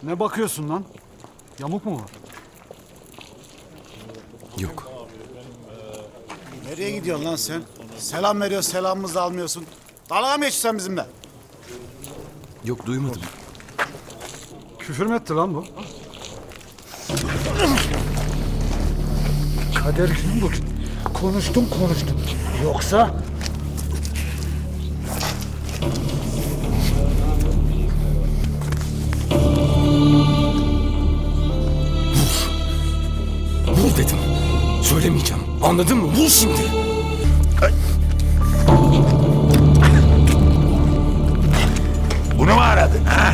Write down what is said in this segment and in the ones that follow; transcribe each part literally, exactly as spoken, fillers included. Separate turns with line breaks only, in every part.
Ne bakıyorsun lan? Yamuk mu var?
Yok.
Nereye gidiyorsun lan sen? Selam veriyor, selamımızı da almıyorsun. Dalga mı geçiyorsun sen bizimle?
Yok duymadım.
Küfür mü etti lan bu? Kader gün bu. Konuştum konuştum. Yoksa...
Vur dedim. Söylemeyeceğim. Anladın mı? Vur şimdi.
Bunu mu aradın ha?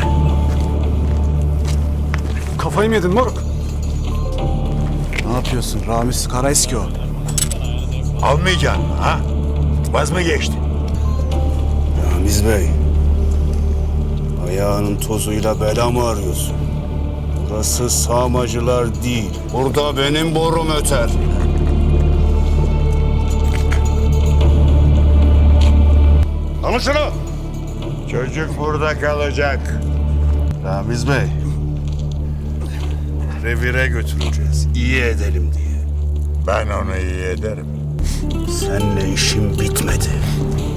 Kafayı mı yedin moruk?
Ne yapıyorsun? Ramiz Karaeski o.
Almayacaksın mı ha? Vaz mı geçtin?
Ramiz Bey. Ayağının tozuyla bela mı arıyorsun? Burası sağmacılar değil. Burada benim borum öter. Alın şunu.
Çocuk burada kalacak.
Ramiz Bey. Revire götüreceğiz. İyi edelim diye.
Ben onu iyi ederim.
Seninle işim bitmedi.